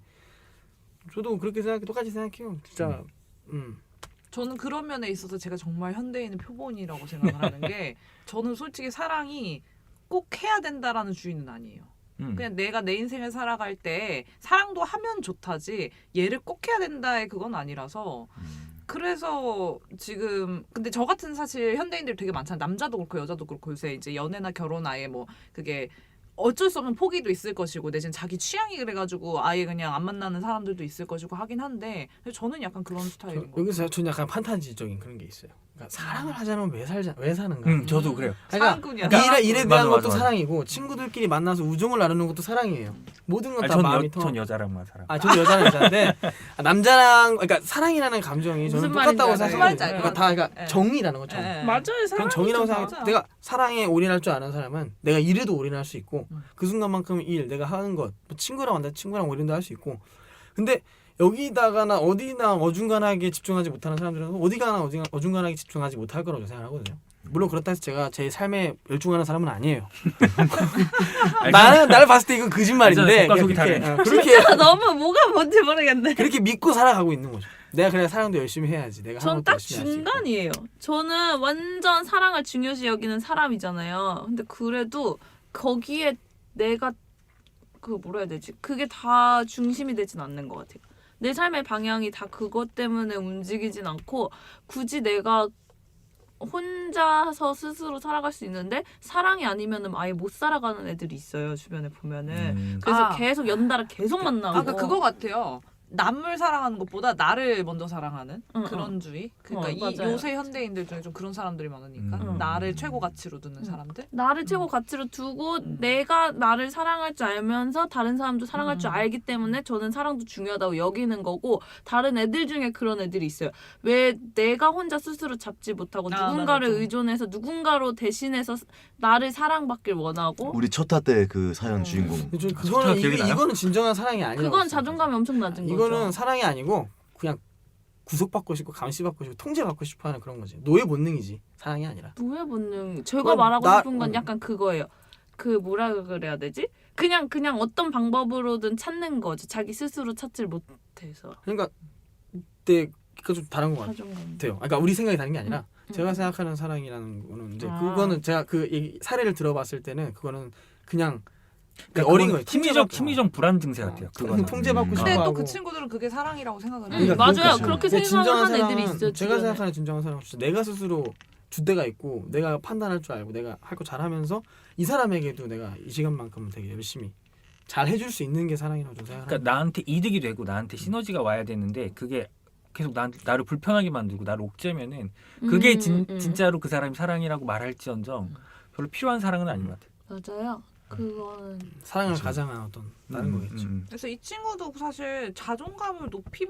[SPEAKER 1] 저도 그렇게 생각해 똑같이 생각해요. 진짜 음.
[SPEAKER 5] 저는 그런 면에 있어서 제가 정말 현대인의 표본이라고 생각을 하는 게 저는 솔직히 사랑이 꼭 해야 된다라는 주의는 아니에요.
[SPEAKER 3] 음.
[SPEAKER 5] 그냥 내가 내 인생을 살아갈 때 사랑도 하면 좋다지 얘를 꼭 해야 된다의 그건 아니라서 그래서 지금 근데 저 같은 사실 현대인들 되게 많잖아요. 남자도 그렇고 여자도 그렇고 요새 이제 연애나 결혼 아예 뭐 그게 어쩔 수 없는 포기도 있을 것이고 내지는 자기 취향이 그래가지고 아예 그냥 안 만나는 사람들도 있을 것이고 하긴 한데 저는 약간 그런
[SPEAKER 1] 저,
[SPEAKER 5] 스타일인 거.
[SPEAKER 1] 여기서 저는 약간 판타지적인 그런 게 있어요.
[SPEAKER 6] 그러니까 사랑을 하자면 왜 살자 왜 사는가?
[SPEAKER 3] 음, 저도 그래요.
[SPEAKER 6] 그러니까
[SPEAKER 5] 사랑꾼이야.
[SPEAKER 6] 일에 일에
[SPEAKER 3] 맞아,
[SPEAKER 6] 대한
[SPEAKER 3] 맞아,
[SPEAKER 6] 것도
[SPEAKER 3] 맞아.
[SPEAKER 6] 사랑이고 친구들끼리 만나서 우정을 나누는 것도 사랑이에요. 모든 건
[SPEAKER 3] 아니,
[SPEAKER 6] 다
[SPEAKER 3] 전,
[SPEAKER 6] 마음이
[SPEAKER 3] 여,
[SPEAKER 6] 통.
[SPEAKER 3] 전 여자랑만 살아.
[SPEAKER 6] 아, 저도 여자는 여자인데 아, 남자랑 그러니까 사랑이라는 감정이 저는
[SPEAKER 4] 무슨
[SPEAKER 6] 똑같다고
[SPEAKER 4] 말인지
[SPEAKER 6] 생각해요.
[SPEAKER 5] 알아요.
[SPEAKER 6] 그러니까 다 그러니까
[SPEAKER 5] 네.
[SPEAKER 6] 정이라는 거죠.
[SPEAKER 5] 네.
[SPEAKER 4] 맞아요.
[SPEAKER 6] 그런
[SPEAKER 4] 사랑이죠.
[SPEAKER 6] 정이라고 생각해.
[SPEAKER 5] 맞아.
[SPEAKER 6] 내가 사랑에 올인할 줄 아는 사람은 내가 일에도 올인할 수 있고
[SPEAKER 5] 음.
[SPEAKER 6] 그 순간만큼 일 내가 하는 것 뭐 친구랑 만나 친구랑 올인도 할 수 있고 근데 여기다가나 어디나 어중간하게 집중하지 못하는 사람들은 어디가나 어중간- 어중간하게 집중하지 못할 거라고 생각하거든요. 물론 그렇다 해서 제가 제 삶에 열중하는 사람은 아니에요. 나는 나를 봤을 때 이건 거짓말인데
[SPEAKER 3] 겉과 속이
[SPEAKER 6] 그렇게,
[SPEAKER 3] 다르네.
[SPEAKER 6] 어, 그렇게
[SPEAKER 4] 너무 뭐가 뭔지 모르겠네.
[SPEAKER 6] 그렇게 믿고 살아가고 있는 거죠. 내가 그래 사랑도 열심히 해야지. 내가 하는
[SPEAKER 4] 전
[SPEAKER 6] 것도
[SPEAKER 4] 딱
[SPEAKER 6] 열심히 할수 있고.
[SPEAKER 4] 중간이에요. 저는 완전 사랑을 중요시 여기는 사람이잖아요. 근데 그래도 거기에 내가 그 뭐라 해야 되지? 그게 다 중심이 되진 않는 것 같아요. 내 삶의 방향이 다 그것 때문에 움직이진 않고 굳이 내가 혼자서 스스로 살아갈 수 있는데 사랑이 아니면은 아예 못 살아가는 애들이 있어요. 주변에 보면은.
[SPEAKER 3] 음.
[SPEAKER 4] 그래서
[SPEAKER 5] 아.
[SPEAKER 4] 계속 연달아 계속 만나고.
[SPEAKER 5] 아, 그러니까 그거 같아요. 남을 사랑하는 것보다 나를 먼저 사랑하는
[SPEAKER 4] 응,
[SPEAKER 5] 그런 주의. 그러니까
[SPEAKER 4] 어,
[SPEAKER 5] 이
[SPEAKER 4] 맞아요.
[SPEAKER 5] 요새 현대인들 중에 좀 그런 사람들이 많으니까
[SPEAKER 3] 음.
[SPEAKER 5] 나를 최고 가치로 두는
[SPEAKER 4] 음.
[SPEAKER 5] 사람들.
[SPEAKER 4] 나를 최고 가치로 두고
[SPEAKER 5] 음.
[SPEAKER 4] 내가 나를 사랑할 줄 알면서 다른 사람도 사랑할 줄
[SPEAKER 5] 음.
[SPEAKER 4] 알기 때문에 저는 사랑도 중요하다고 여기는 거고 다른 애들 중에 그런 애들이 있어요. 왜 내가 혼자 스스로 잡지 못하고
[SPEAKER 5] 아,
[SPEAKER 4] 누군가를
[SPEAKER 5] 맞아.
[SPEAKER 4] 의존해서 누군가로 대신해서 나를 사랑받길 원하고
[SPEAKER 2] 우리 첫 타 때 그 사연
[SPEAKER 5] 음.
[SPEAKER 2] 주인공.
[SPEAKER 6] 근데 저
[SPEAKER 3] 좋다,
[SPEAKER 6] 그거는
[SPEAKER 3] 기억이
[SPEAKER 6] 이게,
[SPEAKER 3] 나요?
[SPEAKER 6] 이거는 진정한 사랑이 아니라고.
[SPEAKER 4] 그건
[SPEAKER 6] 생각해요.
[SPEAKER 4] 자존감이 엄청 낮은
[SPEAKER 6] 이거는
[SPEAKER 4] 거죠.
[SPEAKER 6] 사랑이 아니고 그냥 구속받고 싶고 감시받고 싶고 통제받고 싶어하는 그런 거지. 노예 본능이지 사랑이 아니라.
[SPEAKER 4] 노예 본능. 제가
[SPEAKER 6] 그건
[SPEAKER 4] 말하고
[SPEAKER 6] 나-
[SPEAKER 4] 싶은 건
[SPEAKER 6] 음.
[SPEAKER 4] 약간 그거예요. 그 뭐라 그래야 되지? 그냥 그냥 어떤 방법으로든 찾는 거죠. 자기 스스로 찾질 못해서.
[SPEAKER 6] 그러니까 그때 그거 좀 다른 것 같아요.
[SPEAKER 4] 자존감.
[SPEAKER 6] 그러니까 우리 생각이 다른 게 아니라
[SPEAKER 4] 음.
[SPEAKER 6] 제가 생각하는 사랑이라는 거는 이제
[SPEAKER 4] 아.
[SPEAKER 6] 그거는 제가 그 얘기, 사례를 들어봤을 때는 그거는 그냥
[SPEAKER 3] 그러니까
[SPEAKER 6] 어린
[SPEAKER 3] 그건
[SPEAKER 6] 거예요.
[SPEAKER 3] 심리적
[SPEAKER 6] 통제받고.
[SPEAKER 3] 심리적 불안 증세 같아요.
[SPEAKER 6] 어,
[SPEAKER 3] 그거는.
[SPEAKER 6] 통제받고
[SPEAKER 3] 음.
[SPEAKER 6] 싶어
[SPEAKER 5] 근데 또
[SPEAKER 6] 하고.
[SPEAKER 5] 그 친구들은 그게 사랑이라고 생각을 해요.
[SPEAKER 4] 음,
[SPEAKER 6] 그러니까
[SPEAKER 4] 맞아요.
[SPEAKER 6] 그러니까
[SPEAKER 4] 그렇게
[SPEAKER 6] 근데
[SPEAKER 4] 생각을
[SPEAKER 6] 진정한
[SPEAKER 4] 하는 애들이
[SPEAKER 6] 사랑은
[SPEAKER 4] 있어요.
[SPEAKER 6] 제가
[SPEAKER 4] 주변에.
[SPEAKER 6] 생각하는 진정한 사랑은 진짜 내가 스스로 주대가 있고 내가 판단할 줄 알고 내가 할 거 잘하면서 이 사람에게도 내가 이 시간만큼은 되게 열심히 잘 해줄 수 있는 게 사랑이라고 좀 생각합니다.
[SPEAKER 3] 그러니까 나한테 이득이 되고 나한테 시너지가 와야 되는데 그게 계속 나, 나를 불편하게 만들고 나를 옥죄면은 그게
[SPEAKER 4] 음,
[SPEAKER 3] 진,
[SPEAKER 4] 음.
[SPEAKER 3] 진짜로 그 사람이 사랑이라고 말할지언정 별로 필요한 사랑은 아닌 것 같아요.
[SPEAKER 4] 맞아요. 그거는
[SPEAKER 6] 사랑을
[SPEAKER 2] 그렇죠.
[SPEAKER 6] 가장한 어떤 다른
[SPEAKER 3] 음,
[SPEAKER 6] 거겠죠.
[SPEAKER 3] 음.
[SPEAKER 5] 그래서 이 친구도 사실 자존감을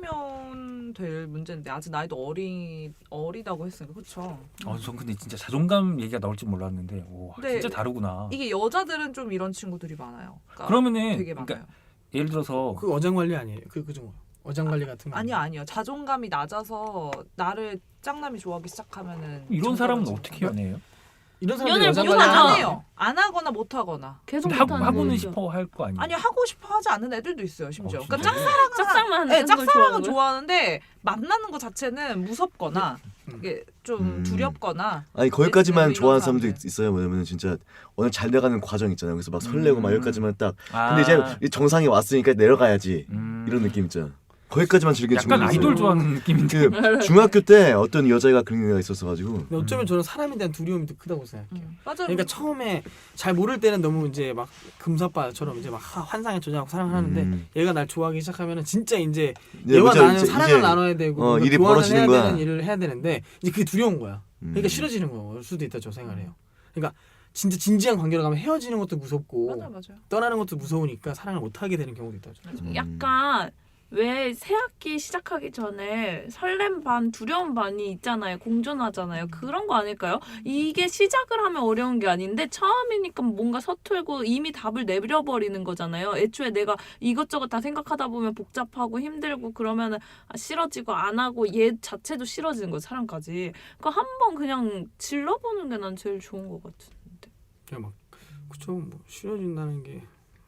[SPEAKER 5] 높이면 될 문제인데 아직 나이도 어리 어리다고 했으니까 그렇죠.
[SPEAKER 3] 어, 전 근데 진짜 자존감 얘기가 나올 줄 몰랐는데 오,
[SPEAKER 5] 네.
[SPEAKER 3] 진짜 다르구나.
[SPEAKER 5] 이게 여자들은 좀 이런 친구들이 많아요. 그러니까
[SPEAKER 3] 그러면은
[SPEAKER 5] 되게
[SPEAKER 3] 그러니까
[SPEAKER 5] 많아요.
[SPEAKER 3] 예를 들어서
[SPEAKER 6] 그 어장 관리 아니에요? 그 그죠? 어장 관리 같은 거.
[SPEAKER 5] 아니요 아니요 자존감이 낮아서 나를 짱남이 좋아하기 시작하면은
[SPEAKER 3] 이런 사람은
[SPEAKER 5] 정서가
[SPEAKER 3] 어떻게 연애해요?
[SPEAKER 6] 이런 사람들이
[SPEAKER 4] 연애를
[SPEAKER 6] 어장
[SPEAKER 5] 이건
[SPEAKER 6] 관리
[SPEAKER 4] 못하죠.
[SPEAKER 5] 안 해요. 안 하거나 못 하거나.
[SPEAKER 4] 계속
[SPEAKER 3] 근데 하고,
[SPEAKER 4] 못하는
[SPEAKER 3] 하고는
[SPEAKER 4] 거죠.
[SPEAKER 3] 싶어 할 거 아니에요?
[SPEAKER 5] 아니 하고 싶어 하지 않는 애들도 있어요 심지어.
[SPEAKER 3] 어,
[SPEAKER 5] 그러니까
[SPEAKER 3] 진짜요?
[SPEAKER 5] 짝사랑은
[SPEAKER 4] 짝사랑만
[SPEAKER 5] 네,
[SPEAKER 4] 하는 걸
[SPEAKER 5] 짝사랑은
[SPEAKER 4] 좋아하고요?
[SPEAKER 5] 좋아하는데 만나는 것 자체는 무섭거나
[SPEAKER 6] 음.
[SPEAKER 5] 이게 좀
[SPEAKER 2] 음.
[SPEAKER 5] 두렵거나
[SPEAKER 2] 아니 거기까지만
[SPEAKER 5] 이런
[SPEAKER 2] 좋아하는
[SPEAKER 5] 사람들.
[SPEAKER 2] 사람도 있어요. 뭐냐면 진짜 오늘 잘 돼가는 과정 있잖아요. 그래서 막 설레고 막
[SPEAKER 3] 음.
[SPEAKER 2] 여기까지만 딱.
[SPEAKER 3] 아,
[SPEAKER 2] 근데 이제 이 정상에 왔으니까 내려가야지.
[SPEAKER 3] 음.
[SPEAKER 2] 이런 느낌 있잖아. 거기까지만 즐기는
[SPEAKER 3] 약간
[SPEAKER 2] 친구도 있어요.
[SPEAKER 3] 아이돌 좋아하는 느낌인데.
[SPEAKER 2] 그 중학교 때 어떤 여자애가 그런 애가 있었어가지고
[SPEAKER 6] 근데 어쩌면 저는 사람에 대한 두려움이 더 크다고 생각해요.
[SPEAKER 5] 음. 맞아요.
[SPEAKER 6] 그러니까 처음에 잘 모를 때는 너무 이제 막 금사빠처럼 이제 막 하- 환상에 조장하고 사랑을 하는데
[SPEAKER 2] 음.
[SPEAKER 6] 얘가 날 좋아하기 시작하면은 진짜 이제
[SPEAKER 2] 이제
[SPEAKER 6] 얘와
[SPEAKER 2] 이제
[SPEAKER 6] 나는
[SPEAKER 2] 이제
[SPEAKER 6] 사랑을 나눠야 되고
[SPEAKER 2] 어,
[SPEAKER 6] 뭔가
[SPEAKER 2] 일이
[SPEAKER 6] 교환을
[SPEAKER 2] 벌어지는
[SPEAKER 6] 해야
[SPEAKER 2] 거야.
[SPEAKER 6] 되는 일을 해야 되는데 이제 그게 두려운 거야. 그러니까
[SPEAKER 2] 음.
[SPEAKER 6] 싫어지는 걸 수도 있다 저 생각을 해요. 그러니까 진짜 진지한 관계로 가면 헤어지는 것도 무섭고
[SPEAKER 5] 맞아 맞아요.
[SPEAKER 6] 떠나는 것도 무서우니까 사랑을 못 하게 되는 경우도 있다고.
[SPEAKER 2] 음.
[SPEAKER 4] 약간 왜 새학기 시작하기 전에 설렘 반 두려움 반이 있잖아요. 공존하잖아요. 그런 거 아닐까요? 이게 시작을 하면 어려운 게 아닌데 처음이니까 뭔가 서툴고 이미 답을 내버려버리는 거잖아요. 애초에 내가 이것저것 다 생각하다 보면 복잡하고 힘들고 그러면은 아, 싫어지고 안 하고 얘 자체도 싫어지는 거예요. 사람까지. 그러니까 한번 그냥 질러보는 게 난 제일 좋은 것 같은데.
[SPEAKER 6] 그냥 막 그쵸 뭐 싫어진다는 게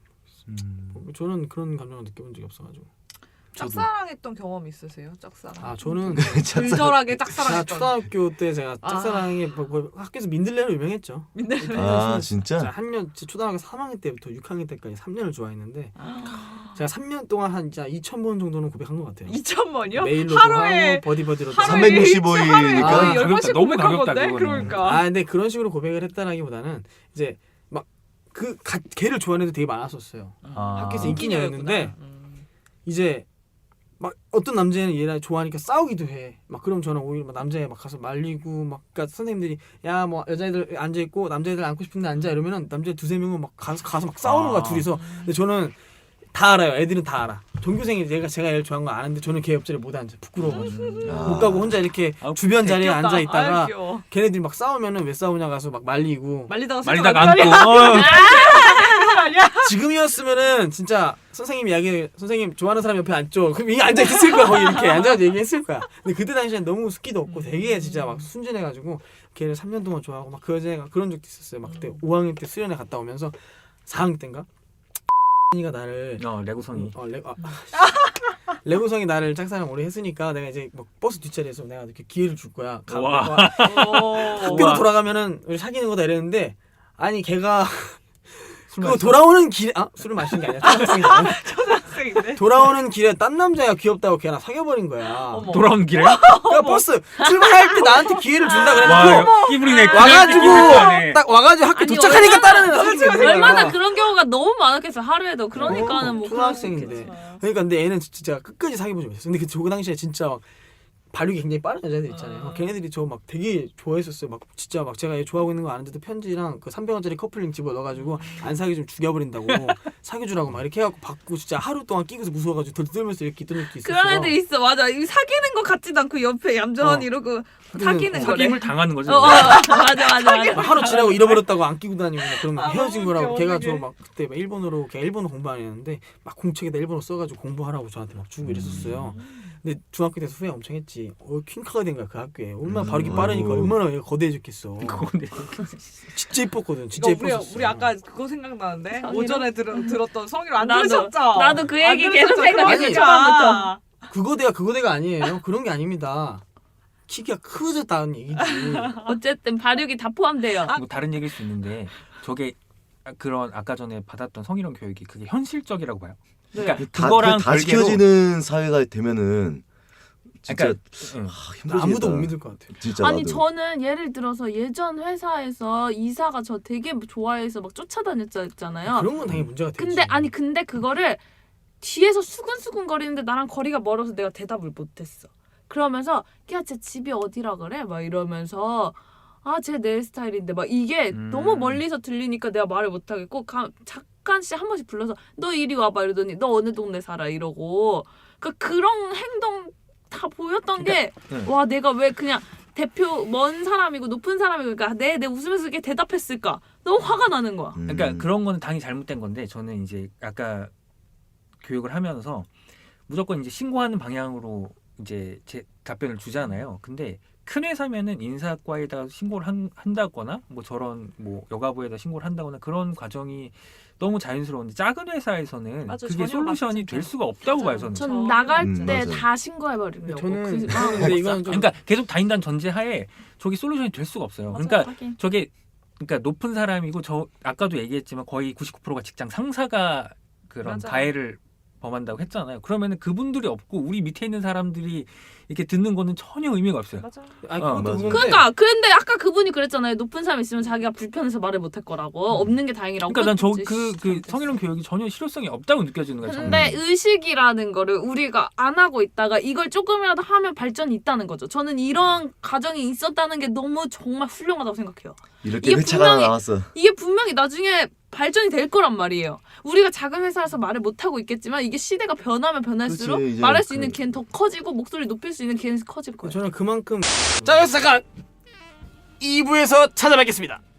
[SPEAKER 3] 음.
[SPEAKER 6] 뭐 저는 그런 감정을 느껴본 적이 없어가지고.
[SPEAKER 3] 저도.
[SPEAKER 5] 짝사랑했던 경험 있으세요? 짝사랑.
[SPEAKER 6] 아 저는
[SPEAKER 5] 불절하게
[SPEAKER 6] 제가
[SPEAKER 5] 짝사랑했던.
[SPEAKER 6] 초등학교 때 제가
[SPEAKER 5] 아.
[SPEAKER 6] 짝사랑에 뭐, 뭐 학교에서 민들레로 유명했죠.
[SPEAKER 2] 아 진짜?
[SPEAKER 6] 한 년 초등학교 삼 학년 때부터 육 학년 때까지 삼 년을 좋아했는데
[SPEAKER 5] 아.
[SPEAKER 6] 제가 삼 년 동안 한 진짜 이천 번 정도는 고백한 것 같아요.
[SPEAKER 5] 이천 번이요?
[SPEAKER 6] 메일로도
[SPEAKER 5] 하루에
[SPEAKER 6] 하고 버디버디로도
[SPEAKER 5] 하루에
[SPEAKER 6] 하고.
[SPEAKER 2] 삼백육십오 일이니까.
[SPEAKER 5] 하루에 거의 열
[SPEAKER 3] 가볍다.
[SPEAKER 5] 번씩
[SPEAKER 3] 너무
[SPEAKER 5] 고백한
[SPEAKER 3] 가볍다,
[SPEAKER 5] 건데?
[SPEAKER 3] 그거는.
[SPEAKER 5] 그러니까.
[SPEAKER 6] 아 근데 그런 식으로 고백을 했다라기보다는 이제 막 그 걔를 좋아하는 애도 되게 많았었어요.
[SPEAKER 3] 아.
[SPEAKER 6] 학교에서 인기녀였는데
[SPEAKER 5] 음.
[SPEAKER 6] 이제 막 어떤 남자애는 얘랑 좋아하니까 싸우기도 해. 막 그럼 저는 오히려 막 남자애 막 가서 말리고 막 그러니까 선생님들이 야 뭐 여자애들 앉아 있고 남자애들 앉고 싶은데 앉아 이러면은 남자애 두세 명은 막 가서 가서 막 싸우는 거야
[SPEAKER 3] 아.
[SPEAKER 6] 둘이서. 근데 저는 다 알아요. 애들은 다 알아. 전교생이 제가 제가 얘를 좋아하는 거 아는데 저는 걔 옆자리에 못 앉아. 부끄러워가지고
[SPEAKER 2] 아.
[SPEAKER 6] 못 가고 혼자 이렇게
[SPEAKER 3] 아,
[SPEAKER 6] 주변 자리에
[SPEAKER 5] 귀엽다.
[SPEAKER 6] 앉아 있다가
[SPEAKER 5] 아유, 귀여워.
[SPEAKER 6] 걔네들이 막 싸우면은 왜 싸우냐 가서 막 말리고.
[SPEAKER 5] 말리다가
[SPEAKER 3] 말리다가
[SPEAKER 5] 생각
[SPEAKER 3] 안고. 어.
[SPEAKER 6] 지금이었으면은 진짜 선생님 이야기 선생님 좋아하는 사람 옆에 앉죠. 그럼 이게 앉아 있을 거야. 거기 이렇게 앉아서 얘기했을 거야. 근데 그때 당시엔 너무 숫기도 없고 되게 진짜 막 순진해가지고 걔를 삼 년 동안 좋아하고 막 그 여자애가 그런 적도 있었어요. 막 그때 오 학년 때 수련회 갔다 오면서 사 학년 때인가 이가 나를
[SPEAKER 3] 어 레고성이.
[SPEAKER 6] 어, 레, 아, 레고성이 나를 짝사랑 오래 했으니까 내가 이제 막 버스 뒷자리에서 내가 이렇게 기회를 줄 거야. 가,
[SPEAKER 3] 와.
[SPEAKER 6] 와,
[SPEAKER 5] 어.
[SPEAKER 6] 학교로
[SPEAKER 3] 우와.
[SPEAKER 6] 돌아가면은 우리 사귀는 거다 이랬는데 아니 걔가
[SPEAKER 3] 술
[SPEAKER 6] 그거
[SPEAKER 3] 마셨어?
[SPEAKER 6] 돌아오는 길에 아 술을 마신 게 아니라 초등학생이잖아.
[SPEAKER 5] 초등학생인데.
[SPEAKER 6] 돌아오는 길에 딴 남자가 귀엽다고 걔랑 사귀어버린 거야.
[SPEAKER 5] 어머.
[SPEAKER 3] 돌아오는 길에?
[SPEAKER 6] 그러니까 버스 출발할 때 나한테 기회를 준다 그래가지고
[SPEAKER 3] 와, 끼부리네.
[SPEAKER 6] 와가지고
[SPEAKER 3] 끼부리네.
[SPEAKER 6] 딱 와가지고 학교
[SPEAKER 4] 아니,
[SPEAKER 6] 도착하니까
[SPEAKER 4] 얼마나-
[SPEAKER 6] 다른 애랑 사귀는 거야.
[SPEAKER 4] 얼마나 그런 경우가 너무 많았겠어 하루에도. 그러니까는
[SPEAKER 6] 어,
[SPEAKER 4] 뭐
[SPEAKER 6] 초등학생인데. 그러니까 근데 애는 진짜 끝까지 사귀어보지 못했어. 근데 그 당시에 진짜 막 발육이 굉장히 빠른 여자들 있잖아요. 막 걔네들이 저 막 되게 좋아했었어요. 막 진짜 막 제가 얘 좋아하고 있는 거 아는데도 편지랑 그 삼백 원짜리 커플링 집어 넣어가지고 안 사귀 좀 죽여버린다고 사귀어주라고 막 이렇게 해갖고 받고 진짜 하루 동안 끼고서 무서워가지고 덜덜면서 이렇게 있던 적도 있었어요.
[SPEAKER 4] 그런 애들 있어. 맞아. 이 사귀는 것 같지도 않고 옆에 얌전히
[SPEAKER 6] 어.
[SPEAKER 4] 이러고
[SPEAKER 6] 근데
[SPEAKER 4] 사귀는
[SPEAKER 6] 어,
[SPEAKER 4] 거래.
[SPEAKER 3] 사귐을 당하는 거죠.
[SPEAKER 4] 어, 어, 맞아 맞아 맞아.
[SPEAKER 6] 막 하루 지나고 잃어버렸다고 안 끼고 다니고 막 그러면
[SPEAKER 5] 아,
[SPEAKER 6] 헤어진
[SPEAKER 5] 너무
[SPEAKER 6] 거라고
[SPEAKER 5] 웃겨,
[SPEAKER 6] 걔가
[SPEAKER 5] 어떡해.
[SPEAKER 6] 저 막 그때 막 일본어로 걔 일본어 공부 안 했는데 막 공책에다 일본어 써가지고 공부하라고 저한테 막 주고 이랬었어요. 근데 중학교 때서 후회 엄청 했지. 어 퀸카가 된 거야 그 학교에. 얼마나
[SPEAKER 2] 음,
[SPEAKER 6] 발육이 빠르니까
[SPEAKER 2] 아이고.
[SPEAKER 6] 얼마나 얘가 거대해졌겠어.
[SPEAKER 3] 그건데.
[SPEAKER 6] 진짜 이뻤거든. 진짜
[SPEAKER 5] 이거 우리
[SPEAKER 6] 이뻤었어.
[SPEAKER 5] 우리 아까 그거 생각나는데
[SPEAKER 4] 성희롱?
[SPEAKER 5] 오전에 들, 들었던 성희롱 안
[SPEAKER 4] 나도-
[SPEAKER 5] 들으셨죠?
[SPEAKER 4] 나도 그
[SPEAKER 5] 안
[SPEAKER 4] 얘기 계속
[SPEAKER 5] 들으셨죠?
[SPEAKER 6] 생각했어,
[SPEAKER 5] 그러니까.
[SPEAKER 4] 초반부터.
[SPEAKER 6] 그거대가 그거대가 아니에요. 그런 게 아닙니다. 키가 크졌다는 얘기지.
[SPEAKER 4] 어쨌든 발육이 다 포함돼요.
[SPEAKER 3] 뭐 다른 얘기일 수 있는데 저게 그런 아까 전에 받았던 성희롱 교육이 그게 현실적이라고 봐요. 그러니까
[SPEAKER 2] 다,
[SPEAKER 3] 그거랑
[SPEAKER 2] 다
[SPEAKER 3] 별개로
[SPEAKER 2] 지켜지는 사회가 되면은 진짜
[SPEAKER 3] 그러니까 응.
[SPEAKER 2] 아, 힘들겠다.
[SPEAKER 6] 아무도 못 믿을 것 같아.
[SPEAKER 2] 진짜
[SPEAKER 4] 아니
[SPEAKER 2] 나도.
[SPEAKER 4] 저는 예를 들어서 예전 회사에서 이사가 저 되게 좋아해서 막 쫓아다녔잖아요.
[SPEAKER 6] 그런 건 당연히 문제가 되지.
[SPEAKER 4] 근데 아니 근데 그거를 뒤에서 수근수근 거리는데 나랑 거리가 멀어서 내가 대답을 못했어. 그러면서 야 쟤 집이 어디라 그래? 막 이러면서 아 쟤 내 스타일인데 막 이게
[SPEAKER 3] 음.
[SPEAKER 4] 너무 멀리서 들리니까 내가 말을 못하겠고 가, 잠깐씩 한 번씩 불러서 너 이리 와봐 이러더니 너 어느 동네 살아 이러고 그러니까 그런 행동 다 보였던 게 와
[SPEAKER 3] 응.
[SPEAKER 4] 내가 왜 그냥 대표 먼 사람이고 높은 사람이고 그러니까 내 내 웃으면서 이렇게 대답했을까 너무 화가 나는 거야.
[SPEAKER 2] 음.
[SPEAKER 3] 그러니까 그런 거는 당연히 잘못된 건데 저는 이제 아까 교육을 하면서 무조건 이제 신고하는 방향으로 이제 제 답변을 주잖아요. 근데 큰 회사면은 인사과에다 신고를 한, 한다거나 뭐 저런 뭐 여가부에다 신고를 한다거나 그런 과정이 너무 자연스러운데 작은 회사에서는
[SPEAKER 5] 맞아,
[SPEAKER 3] 그게
[SPEAKER 5] 전혀
[SPEAKER 3] 솔루션이
[SPEAKER 5] 맞지
[SPEAKER 3] 될
[SPEAKER 5] 않죠.
[SPEAKER 3] 수가 없다고 봐요
[SPEAKER 5] 맞아요.
[SPEAKER 3] 저는.
[SPEAKER 4] 전
[SPEAKER 5] 저-
[SPEAKER 4] 나갈
[SPEAKER 2] 음,
[SPEAKER 4] 때
[SPEAKER 2] 맞아요.
[SPEAKER 4] 다 신고해버리려고.
[SPEAKER 6] 저는
[SPEAKER 4] 그,
[SPEAKER 6] 저는 근데 이건 좀
[SPEAKER 3] 그러니까 계속 다닌다는 전제하에 저게 솔루션이 될 수가 없어요.
[SPEAKER 5] 맞아요.
[SPEAKER 3] 그러니까
[SPEAKER 4] 하긴.
[SPEAKER 3] 저게 그러니까 높은 사람이고 저 아까도 얘기했지만 거의 구십구 퍼센트가 직장 상사가 그런
[SPEAKER 5] 맞아요.
[SPEAKER 3] 가해를 범한다고 했잖아요. 그러면은 그분들이 없고 우리 밑에 있는 사람들이 이렇게 듣는 거는 전혀 의미가 없어요.
[SPEAKER 5] 맞아.
[SPEAKER 6] 아니
[SPEAKER 3] 어,
[SPEAKER 6] 그것도
[SPEAKER 2] 맞아.
[SPEAKER 6] 그건데
[SPEAKER 4] 그러니까 근데 아까 그분이 그랬잖아요. 높은 사람 있으면 자기가 불편해서 말을 못할 거라고. 없는 게 다행이라고.
[SPEAKER 3] 그러니까 난 저
[SPEAKER 4] 그치,
[SPEAKER 3] 그 그
[SPEAKER 4] 씨,
[SPEAKER 3] 성희롱 교육이 전혀 실효성이 없다고 느껴지는 거예요. 저는.
[SPEAKER 4] 근데 의식이라는 거를 우리가 안 하고 있다가 이걸 조금이라도 하면 발전이 있다는 거죠. 저는 이런 과정이 있었다는 게 너무 정말 훌륭하다고 생각해요.
[SPEAKER 2] 이렇게
[SPEAKER 4] 이게
[SPEAKER 2] 회차가
[SPEAKER 4] 분명히-
[SPEAKER 2] 나왔어.
[SPEAKER 4] 이게 분명히 나중에 발전이 될 거란 말이에요. 우리가 작은 회사에서 말을 못 하고 있겠지만 이게 시대가 변하면 변할수록
[SPEAKER 2] 그치, 이제
[SPEAKER 4] 말할 수
[SPEAKER 2] 그-
[SPEAKER 4] 있는 기회는 더 커지고 목소리 높일 수 있는 기회는 커질 거예요.
[SPEAKER 6] 저는 그만큼 자 여기서 잠깐 이 부에서 찾아뵙겠습니다.